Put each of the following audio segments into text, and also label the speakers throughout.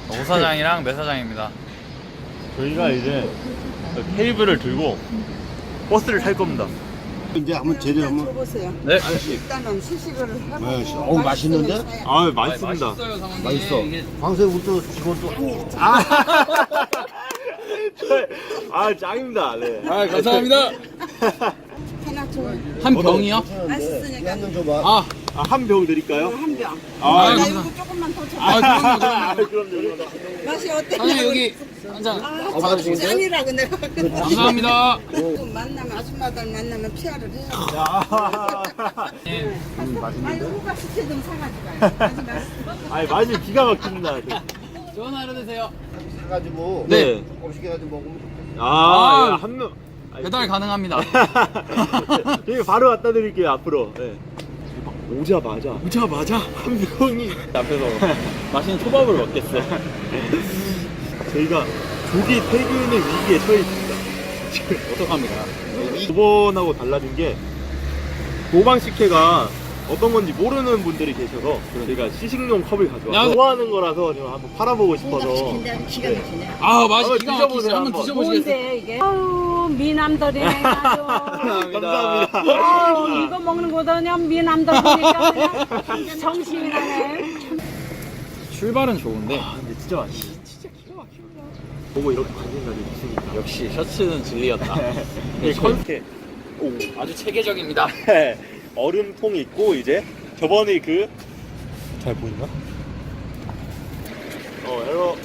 Speaker 1: 오 사장이랑 매 사장입니다.
Speaker 2: 저희가 이제 테이블을 들고 버스를 탈 겁니다.
Speaker 3: 이제 한번 재료 한번.
Speaker 4: 줘보세요.
Speaker 1: 네.
Speaker 4: 일단은 시식을 해보고.
Speaker 3: 네, 어우, 맛있는데?
Speaker 2: 아, 맛있습니다.
Speaker 1: 맛있어요, 상황이.
Speaker 3: 맛있어. 광세우도 직원도
Speaker 2: 아, 짱입니다. 네.
Speaker 1: 아, 감사합니다.
Speaker 4: 하나 줘.
Speaker 1: 한 병이요?
Speaker 4: 맛있으니까.
Speaker 3: 한잔 줘봐.
Speaker 1: 아,
Speaker 2: 한 병 드릴까요?
Speaker 4: 한 병.
Speaker 2: 아,
Speaker 4: 나 이거 조금만 더 줘.
Speaker 2: 그럼요.
Speaker 4: 맛이 어때?
Speaker 1: 사장님 여기 한 잔.
Speaker 4: 아, 짠이라고 내가.
Speaker 1: 감사합니다.
Speaker 4: 만나면 아줌마들 만나면 피아를 해요.
Speaker 1: 예.
Speaker 4: 아니 호박 식혜 좀 사가지고 가요. 아주 맛있어.
Speaker 2: 아니, 맛이 기가 막힙니다.
Speaker 1: 좋은 하루 되세요.
Speaker 3: 사가지고.
Speaker 2: 네.
Speaker 3: 조금씩 해가지고 먹으면 좋겠어.
Speaker 2: 아, 한 명.
Speaker 1: 배달 가능합니다.
Speaker 2: 저희 바로 갖다 드릴게요, 앞으로. 네. 오자마자 한 명이
Speaker 1: 앞에서 맛있는 초밥을 먹겠어요.
Speaker 2: 저희가 조기 퇴근의 위기에 처해 있습니다.
Speaker 1: 어떡합니까?
Speaker 2: 저번하고 달라진 게 도방식혜가 어떤 건지 모르는 분들이 계셔서 저희가 시식용 컵을 가져와서 좋아하는 거라서 제가 한번 팔아보고 싶어서.
Speaker 4: 기가 막히네.
Speaker 1: 아, 맛이
Speaker 2: 한번
Speaker 1: 기가
Speaker 2: 드셔보세요,
Speaker 1: 막히죠. 한번
Speaker 2: 한번.
Speaker 1: 드셔보시겠어요?
Speaker 4: 뭔데 이게? 아우 미남들이네 아주.
Speaker 2: 감사합니다.
Speaker 4: 아우 이거 먹는 거다 그냥 미남들 보니까 그냥 정신이 나네.
Speaker 1: 출발은 좋은데
Speaker 2: 아, 근데 진짜 맛있어. 진짜 기가 막힙니다. 보고 이렇게 관심 가지고 있으니까.
Speaker 1: 역시 셔츠는 진리였다.
Speaker 2: 이 컨셉. 오.
Speaker 1: 아주 체계적입니다.
Speaker 2: 얼음통 있고 이제 저번에 그 잘 보이나? 에러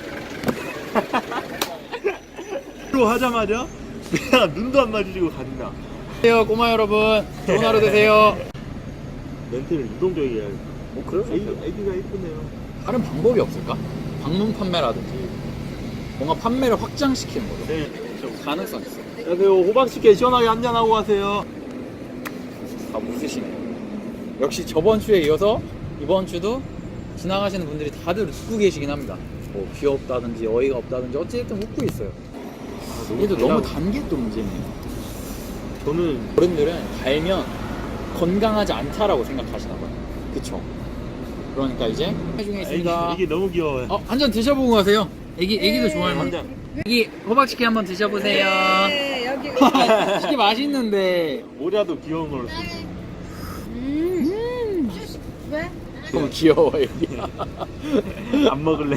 Speaker 2: 로 하자마자 그냥 눈도 안 마주치고 간다.
Speaker 1: 안녕하세요, 꼬마 여러분. 좋은 하루 되세요.
Speaker 2: 멘트를 유동적이게 해야겠다.
Speaker 1: 그래요?
Speaker 2: 애기가 이쁘네요.
Speaker 1: 다른 방법이 없을까? 방문 판매라든지 뭔가 판매를 확장시키는 거죠.
Speaker 2: 네.
Speaker 1: 가능성 있어.
Speaker 2: 안녕하세요. 호박식혜 시원하게 한잔하고 가세요.
Speaker 1: 다 웃으시네. 역시 저번 주에 이어서 이번 주도 지나가시는 분들이 다들 웃고 계시긴 합니다. 뭐 귀엽다든지 어이가 없다든지 어찌됐든 웃고 있어요. 이게 너무 단 게 또 문제네요.
Speaker 2: 저는
Speaker 1: 어른들은 달면 건강하지 않다라고 생각하시나 봐요. 그쵸? 그러니까 이제 중에 있습니다.
Speaker 2: 애기 너무 귀여워요.
Speaker 1: 한 잔 드셔보고 가세요. 애기도 좋아할 만한. 애기 호박치킨 한번 드셔보세요.
Speaker 4: 네 여기.
Speaker 1: 치킨 맛있는데
Speaker 2: 모자도 귀여운 걸로 쓰고.
Speaker 4: 왜?
Speaker 1: 너무 귀여워 애기.
Speaker 2: 안 먹을래.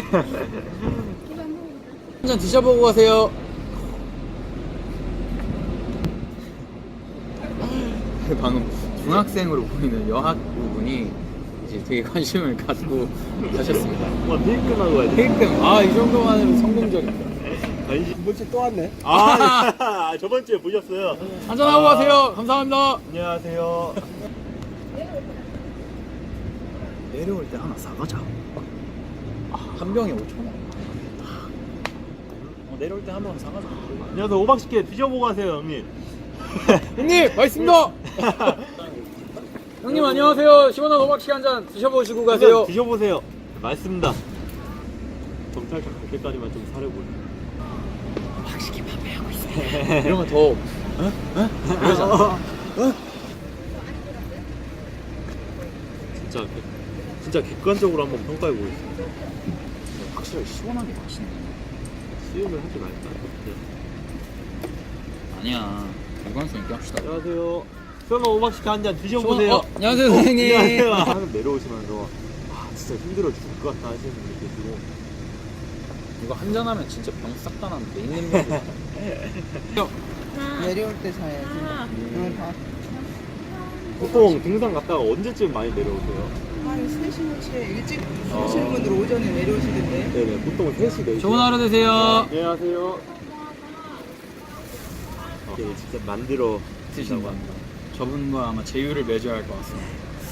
Speaker 1: 한 잔 드셔보고 가세요. 방금 중학생으로 보이는 여학부분이 이제 되게 관심을 갖고 가셨습니다.
Speaker 2: 와, 테이크나고 가야 돼.
Speaker 1: 테이크, 이 정도만으로 성공적입니다.
Speaker 2: 관심.
Speaker 3: 뭐지 또 왔네.
Speaker 2: 저번 주에 보셨어요.
Speaker 1: 한잔하고 가세요. 감사합니다.
Speaker 2: 안녕하세요.
Speaker 1: 내려올 때 하나 사가자. 한 병에 5,000원. 내려올 때 한 번 사가자.
Speaker 2: 안녕하세요. 호박식혜 드셔보고 가세요, 형님.
Speaker 1: 형님, 맛있습니다. 형님 안녕하세요. 시원한 호박씨 한 잔 드셔보시고 가세요.
Speaker 2: 드셔보세요. 맛있습니다. 경찰차 갈 때까지만 좀 사려고요.
Speaker 1: 호박씨 판매하고 있어요. 이러면 더 이러잖아.
Speaker 2: 진짜 객관적으로 한번 평가해 보겠습니다.
Speaker 1: 확실히 시원하게 맛있네.
Speaker 2: 수육을 하지 말까? 네.
Speaker 1: 아니야. 일관성 있게 합시다.
Speaker 2: 안녕하세요. 수영아 호박식혜 한 잔 드셔보세요.
Speaker 1: 안녕하세요 선생님.
Speaker 2: 안녕하세요. 방금 내려오시면서 진짜 힘들어 죽을 것 같다 하시는 분이 계시고.
Speaker 1: 이거 한잔 하면 진짜 병 싹 다 나는데 있는 병.
Speaker 4: 내려올 때 사야지.
Speaker 2: 보통 등산 갔다가 언제쯤 많이 내려오세요?
Speaker 4: 한 3시쯤 일찍 오시는 분들 오전에 내려오시던데.
Speaker 2: 네네, 보통 3시, 4시.
Speaker 1: 좋은 하루 되세요.
Speaker 2: 안녕하세요. 네, 진짜 만들어
Speaker 1: 드신다고 합니다. 저분과 아마 제휴를 맺어야 할 것 같습니다.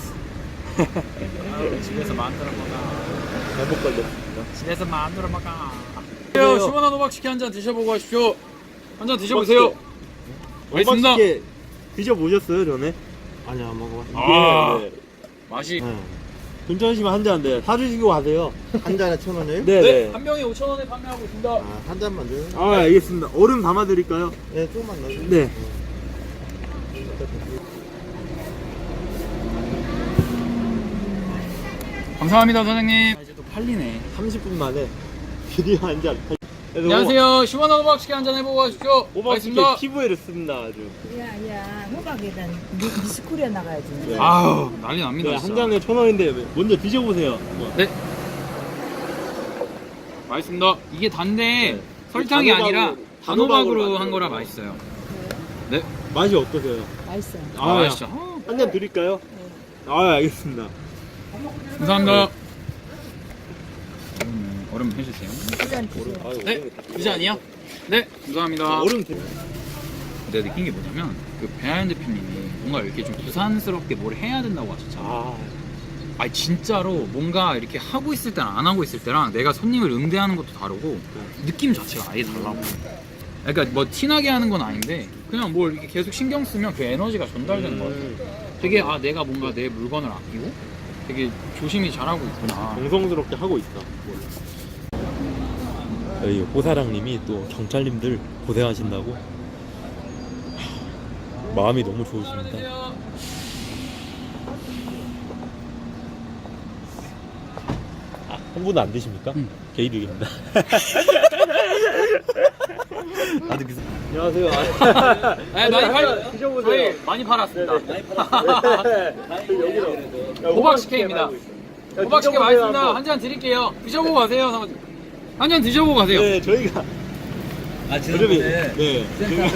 Speaker 1: 집에서 만들어 먹어.
Speaker 2: 잘못 걸렸습니다.
Speaker 1: 집에서 만들어 먹어. 시원한 호박치킨 한 잔 드셔보고 가십시오. 한 잔 드셔보세요. 맛있습니다.
Speaker 2: 호박식혜 드셔보셨어요, 전에?
Speaker 3: 아니야 안 먹어봤어.
Speaker 2: 네.
Speaker 1: 맛이.
Speaker 2: 괜찮으시면 한 잔, 네. 사주시고 가세요.
Speaker 3: 한 잔에 1,000원이에요?
Speaker 2: 네네.
Speaker 1: 한 병에 5,000원에 판매하고 있습니다.
Speaker 3: 한 잔만 줘요.
Speaker 2: 알겠습니다. 얼음 담아드릴까요?
Speaker 3: 네 조금만 넣어요.
Speaker 2: 네.
Speaker 1: 감사합니다, 사장님. 이제 또 팔리네.
Speaker 2: 30분 만에 드디어 한 잔.
Speaker 1: 안녕하세요. 시원한 호박식혜 한잔 해보고 가십시오.
Speaker 2: 오버스케
Speaker 1: 알겠습니다.
Speaker 2: 피부에를 씁니다 아주.
Speaker 5: 야야 호박에다 미스코리아 나가야지.
Speaker 2: 네.
Speaker 1: 아우 난리 납니다.
Speaker 2: 네,
Speaker 1: 진짜.
Speaker 2: 한 잔에 1,000원인데 먼저 드셔보세요.
Speaker 1: 네. 맛있습니다. 이게 단데
Speaker 2: 네.
Speaker 1: 설탕이 아니라 단호박으로 한
Speaker 2: 만든
Speaker 1: 거라
Speaker 2: 거예요.
Speaker 1: 맛있어요. 네.
Speaker 2: 맛이 어떠세요?
Speaker 5: 맛있어.
Speaker 1: 아, 맛있죠.
Speaker 2: 한 잔 드릴까요? 아 알겠습니다.
Speaker 1: 감사합니다. 얼음 해주세요.
Speaker 5: 시간 주세요.
Speaker 1: 네. 이 잔이요? 네. 감사합니다.
Speaker 2: 얼음 드릴게요.
Speaker 1: 내가 느낀 게 뭐냐면 그 배하연 대표님이 뭔가 이렇게 좀 부산스럽게 뭘 해야 된다고 하셨잖아요. 아니 진짜로 뭔가 이렇게 하고 있을 때랑 안 하고 있을 때랑 내가 손님을 응대하는 것도 다르고 느낌 자체가 아예 달라고. 그러니까 뭐 티나게 하는 건 아닌데 그냥 뭘 이렇게 계속 신경 쓰면 그 에너지가 전달되는 것 같아요. 되게 아 내가 뭔가 내 물건을 아끼고 되게 조심히 잘하고 있구나.
Speaker 2: 정성스럽게 하고 있다. 저희 호사랑님이 또 경찰님들 고생하신다고 마음이 너무 좋으십니다. 한 분은 안 드십니까?
Speaker 1: 응.
Speaker 2: 개이득입니다. 나도 안녕하세요.
Speaker 1: 네, 많이 팔
Speaker 2: 드셔보세요.
Speaker 1: 저희 많이 팔았습니다. 호박식혜입니다. 호박식혜 맛있습니다. 한 잔 드릴게요. 드셔보고 가세요. 사모님. 한 잔 드셔보고 가세요.
Speaker 2: 네, 저희가
Speaker 3: 지난번에
Speaker 2: 네.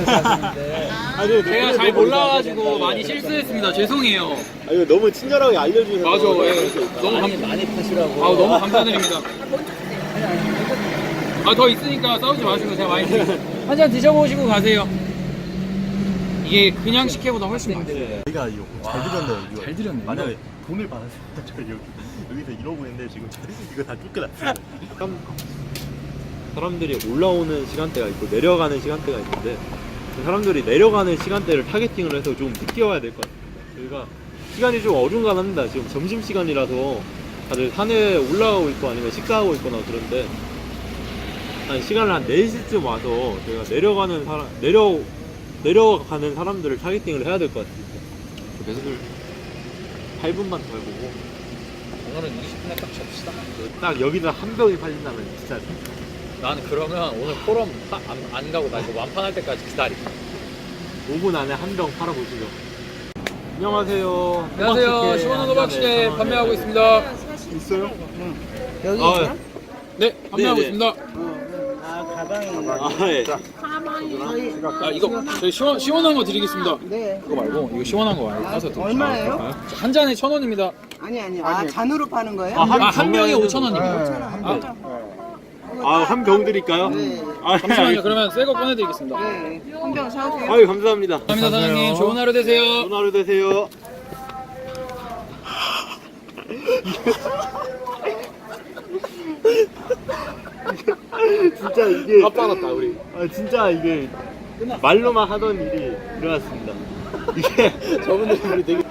Speaker 1: 제가 잘 몰라가지고 많이 실수했습니다. 죄송해요.
Speaker 2: 아, 이거 너무 친절하게 알려주셔서
Speaker 1: 맞아. 예. 너무
Speaker 3: 많이 파시라고.
Speaker 1: 아우 너무 감사드립니다. 아 더 있으니까 싸우지 마시고 제가 많이 한 잔 드셔보시고 가세요. 이게 그냥 식혜보다 훨씬 맛있어요.
Speaker 2: 저희가 이거 잘 드렸네요. 이거.
Speaker 1: 잘 드렸네요.
Speaker 2: 만약에 돈을 받았으면 저희 여기서 이러고 있는데 지금 이거 다 쫓겨났어요. 사람들이 올라오는 시간대가 있고 내려가는 시간대가 있는데 그 사람들이 내려가는 시간대를 타겟팅을 해서 좀 늦게 와야 될 것 같아요. 저희가 시간이 좀 어중간합니다. 지금 점심시간이라서 다들 산에 올라가고 있고 아니면 식사하고 있거나 그런데 한 시간을 한 4시쯤 와서 저희가 내려가는 사람들을 타겟팅을 해야 될 것 같아요. 그래서 8분만 더 해보고
Speaker 1: 오늘은 20분에 딱 접시다.
Speaker 2: 딱 여기서 한 병이 팔린다면 진짜
Speaker 1: 나는 그러면 오늘 포럼 안 가고 나 이거 완판할 때까지 기다릴게.
Speaker 2: 5분 안에 한 병 팔아보시죠. 안녕하세요.
Speaker 1: 안녕하세요. 시원한 호박식혜 판매하고 있습니다.
Speaker 2: 있어요?
Speaker 5: 여기
Speaker 2: 아,
Speaker 5: 있어?
Speaker 1: 네, 판매하고
Speaker 2: 네, 네.
Speaker 1: 있습니다.
Speaker 5: 아 가방에.
Speaker 2: 예.
Speaker 1: 아 이거 저희 시원한 거 드리겠습니다.
Speaker 5: 네.
Speaker 1: 그거 말고 이거 시원한 거 말고 사서 드세요.
Speaker 5: 얼마예요?
Speaker 1: 한 잔에 1,000원입니다.
Speaker 5: 아니. 아 잔으로 파는 거예요?
Speaker 1: 한 병에 5,000원입니다.
Speaker 2: 한 병 드릴까요?
Speaker 5: 네.
Speaker 1: 잠시만요. 그러면 새 거 꺼내드리겠습니다.
Speaker 5: 네. 한 병 사오세요.
Speaker 2: 아유, 감사합니다.
Speaker 1: 감사합니다 사장님. 좋은 하루 되세요.
Speaker 2: 좋은 하루 되세요. 진짜 이게
Speaker 1: 다 빨았다 우리.
Speaker 2: 진짜 이게 말로만 하던 일이 일어났습니다. 이게 저분들이 우리 되게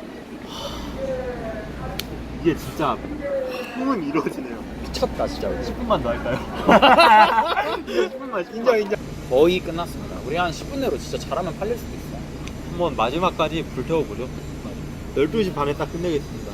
Speaker 2: 이게 진짜 꿈은 이루어지네요.
Speaker 1: 미쳤다 진짜.
Speaker 2: 10분만 더 할까요? 10분만 인정.
Speaker 1: 거의 끝났습니다. 우리 한 10분 내로 진짜 잘하면 팔릴 수도 있어.
Speaker 2: 한번 마지막까지 불태워보죠. 12시 반에 딱 끝내겠습니다.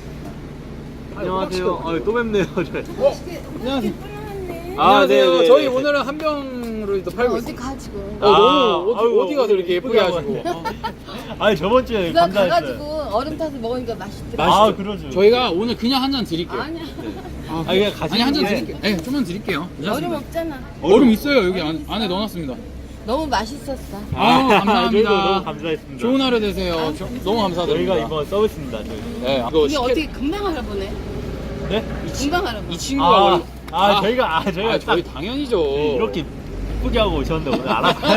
Speaker 2: 안녕하세요. 또 뵙네요.
Speaker 1: 안녕하세요.
Speaker 2: 안녕하세요.
Speaker 1: 네. 저희 오늘은 한 병으로 또 팔고 있어요.
Speaker 5: 가지고.
Speaker 1: 너무
Speaker 2: 아이고,
Speaker 1: 어디 가서 이렇게 예쁘게 하시고.
Speaker 2: 아니 저번 주에
Speaker 6: 그거
Speaker 2: 감사했어요.
Speaker 6: 가가지고 얼음 타서 먹으니까 맛있더라.
Speaker 2: 아 그러죠.
Speaker 1: 저희가 오늘 그냥 한 잔 드릴게요.
Speaker 6: 아니야.
Speaker 2: 그냥 가시는
Speaker 1: 아니 한 잔
Speaker 2: 게
Speaker 1: 드릴게요. 네, 좀만 드릴게요.
Speaker 6: 얼음
Speaker 1: 괜찮습니다.
Speaker 6: 없잖아.
Speaker 1: 얼음 있어요. 여기 안에 넣어놨습니다.
Speaker 6: 너무 맛있었어.
Speaker 1: 아우, 감사합니다.
Speaker 2: 저희도 너무 감사했습니다.
Speaker 1: 좋은 하루 되세요. 너무 감사드립니다.
Speaker 2: 저희가 이번 서비스입니다. 저희.
Speaker 1: 네, 이거
Speaker 6: 이게
Speaker 1: 시켜-
Speaker 6: 어떻게 금방 알아보네.
Speaker 2: 네?
Speaker 6: 금방 알아봐.
Speaker 1: 이 친구가 원래
Speaker 2: 저희가
Speaker 1: 저희
Speaker 2: 딱
Speaker 1: 당연히죠.
Speaker 2: 이렇게 이쁘게 하고 오셨는데 오늘 알았어요.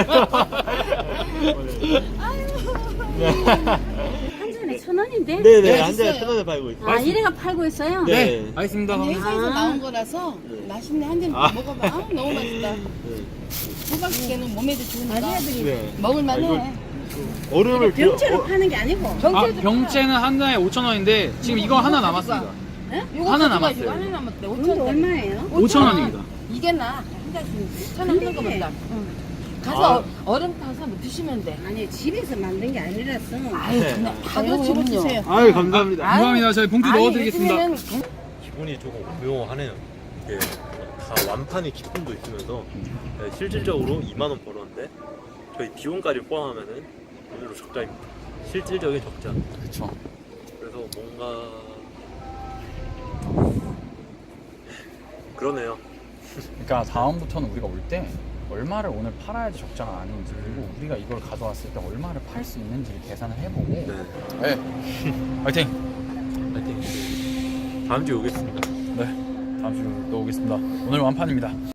Speaker 4: 한 잔에 1,000원인데?
Speaker 2: 네네 한 잔에 1,000원에 팔고 있어요.
Speaker 4: 아, 이래가 팔고 있어요?
Speaker 2: 네.
Speaker 1: 네, 알겠습니다.
Speaker 6: 아니, 회사에서 나온 거라서 맛있네. 한 잔 먹어봐. 아, 너무 맛있다. 호박식혜는 몸에도 좋으니까
Speaker 2: 네.
Speaker 6: 먹을만해.
Speaker 2: 얼음을
Speaker 4: 병째로 파는 게 아니고.
Speaker 1: 병째는 한 잔에 5,000원인데 지금 이거 하나 남았습니다.
Speaker 6: 이거
Speaker 1: 하나
Speaker 6: 가져가지고
Speaker 1: 남았어요.
Speaker 6: 하나 남았대.
Speaker 4: 이거
Speaker 6: 5,000원.
Speaker 4: 얼마예요?
Speaker 1: 5,000원입니다.
Speaker 6: 이게 나. 한 잔씩 1,000원 하는 거보다. 가서 얼음 타서 뭐 드시면 돼.
Speaker 4: 아니, 집에서 만든 게 아니라서.
Speaker 6: 아유, 그냥 다 그렇지, 드세요.
Speaker 2: 아유 감사합니다.
Speaker 1: 감사합니다. 저희 봉투
Speaker 6: 아니,
Speaker 1: 넣어드리겠습니다.
Speaker 6: 요즘에는
Speaker 2: 부분이 조금 오묘하네요. 이게 다 완판의 기쁨도 있으면서 네, 실질적으로 2만 원 벌었는데 저희 비용까지 포함하면은 오늘로 적자입니다. 실질적인 적자.
Speaker 1: 그렇죠.
Speaker 2: 그래서 뭔가 그러네요.
Speaker 1: 그러니까 다음부터는 우리가 올 때 얼마를 오늘 팔아야지 적자가 아닌지, 그리고 우리가 이걸 가져왔을 때 얼마를 팔 수 있는지를 계산을 해보고. 네. 화이팅.
Speaker 2: 하여튼 다음 주에 오겠습니다.
Speaker 1: 네. 다음 주에 또 오겠습니다. 오늘 완판입니다.